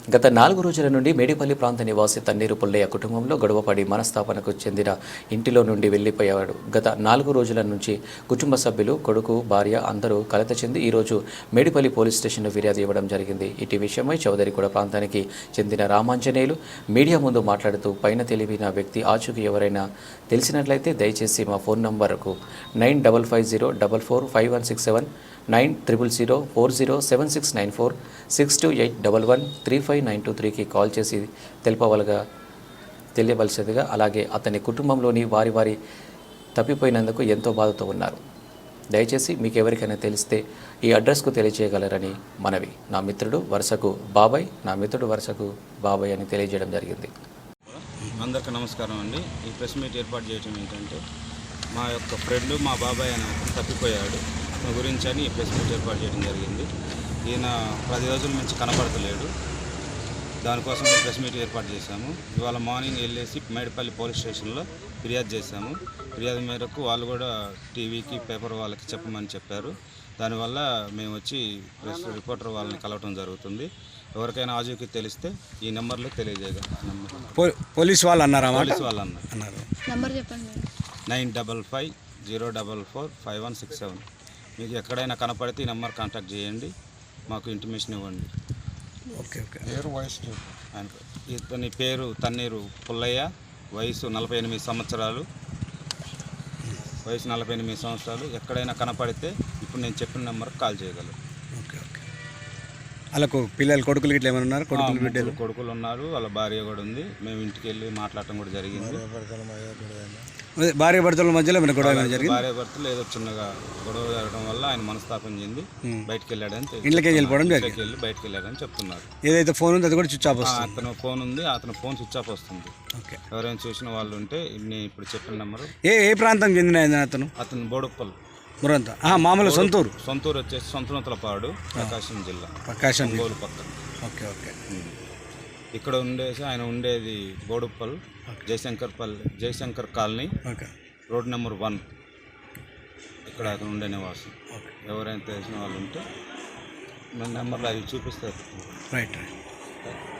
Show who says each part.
Speaker 1: గత 4 రోజుల నుండి మేడిపల్లి ప్రాంత నివాసి తన్నీరు పుల్లయ్య కుటుంబంలో గొడవపడి మనస్తాపనకు చెందిన ఇంటిలో నుండి వెళ్లిపోయాడు. గత 4 రోజుల నుంచి కుటుంబ సభ్యులు, కొడుకు, భార్య అందరూ కలత చెంది ఈరోజు మేడిపల్లి పోలీస్ స్టేషన్లో ఫిర్యాదు ఇవ్వడం జరిగింది. ఇటీ విషయమై చౌదరిగూడ ప్రాంతానికి చెందిన రామాంజనేయులు మీడియా ముందు మాట్లాడుతూ పైన తెలివిన వ్యక్తి ఆచూకీ ఎవరైనా తెలిసినట్లయితే దయచేసి మా ఫోన్ నంబర్కు 9550445167 9000407694 6281135923కి కాల్ చేసి తెలియవలసిందిగా, అలాగే అతని కుటుంబంలోని వారి తప్పిపోయినందుకు ఎంతో బాధతో ఉన్నారు. దయచేసి మీకు ఎవరికైనా తెలిస్తే ఈ అడ్రస్కు తెలియజేయగలరని మనవి. నా మిత్రుడు వరుసకు బాబాయ్ అని తెలియజేయడం జరిగింది.
Speaker 2: అందరికీ నమస్కారం అండి. ఈ ప్రెస్ మీట్ ఏర్పాటు చేయడం ఏంటంటే, మా యొక్క ఫ్రెండ్ మా బాబాయ్ అని తప్పిపోయాడు గురించి అని ఈ ప్రెస్ మీట్ ఏర్పాటు చేయడం జరిగింది. ఈయన 10 రోజుల నుంచి కనపడతలేడు. దానికోసం ప్రెస్ మీట్ ఏర్పాటు చేశాము. ఇవాళ మార్నింగ్ వెళ్ళేసి మేడిపల్లి పోలీస్ స్టేషన్లో ఫిర్యాదు చేశాము. ఫిర్యాదు మేరకు వాళ్ళు కూడా టీవీకి, పేపర్ వాళ్ళకి చెప్పమని చెప్పారు. దానివల్ల మేము వచ్చి ప్రెస్ రిపోర్టర్ వాళ్ళని కలవటం జరుగుతుంది. ఎవరికైనా ఆజూకీ తెలిస్తే ఈ నెంబర్లో తెలియజేయగలరు.
Speaker 3: పోలీస్ వాళ్ళు అన్నారు.
Speaker 2: 9550445167. మీకు ఎక్కడైనా కనపడితే ఈ నెంబర్ కాంటాక్ట్ చేయండి, మాకు ఇంటిమేషన్ ఇవ్వండి.
Speaker 3: ఓకే.
Speaker 2: ఇతని పేరు తన్నీరు పుల్లయ్య, వయసు 48 సంవత్సరాలు. ఎక్కడైనా కనపడితే ఇప్పుడు నేను చెప్పిన నెంబర్కి కాల్ చేయగలరు.
Speaker 3: ఓకే. వాళ్ళకు పిల్లలు, కొడుకులు ఇట్లా ఏమైనా ఉన్నారు?
Speaker 2: కొడుకులు ఉన్నారు, వాళ్ళ భార్య కూడా ఉంది. మేము ఇంటికి వెళ్ళి మాట్లాడటం కూడా జరిగింది.
Speaker 3: భార్య భర్తల మధ్యలో ఏమైనా గొడవ జరిగింది?
Speaker 2: భార్య భర్తలు ఏదో చిన్నగా గొడవ జరగడం వల్ల ఆయన మనస్తాపం చెంది బయటకు వెళ్ళాడని,
Speaker 3: ఇంట్లోకి వెళ్ళిపోవడం
Speaker 2: వెళ్ళి బయటకు వెళ్ళాడని చెప్తున్నారు.
Speaker 3: ఏదైతే ఫోన్ ఉంది అది కూడా స్విచ్ ఆఫ్ వస్తుంది.
Speaker 2: అతను ఫోన్ ఉంది, అతను ఫోన్ స్విచ్ ఆఫ్ వస్తుంది.
Speaker 3: ఓకే.
Speaker 2: ఎవరైనా చూసిన వాళ్ళు ఉంటే నేను ఇప్పుడు చెప్పిన నెంబరు.
Speaker 3: ఏ ప్రాంతం చెందిన
Speaker 2: అతను బోడుప్పల్
Speaker 3: మురంతా మామూలు సొంతూరు
Speaker 2: వచ్చేసి సొంతనూతలపాడు, ప్రకాశం జిల్లా, గోలు పక్కన.
Speaker 3: ఓకే.
Speaker 2: ఇక్కడ ఉండేసి ఆయన ఉండేది Boduppal, Jayashankar colony, road number 1. ఇక్కడ అతను ఉండే నివాసం. ఎవరైనా తెలిసిన వాళ్ళు ఉంటే మన నెంబర్లో అవి చూపిస్తారు.
Speaker 3: రైట్.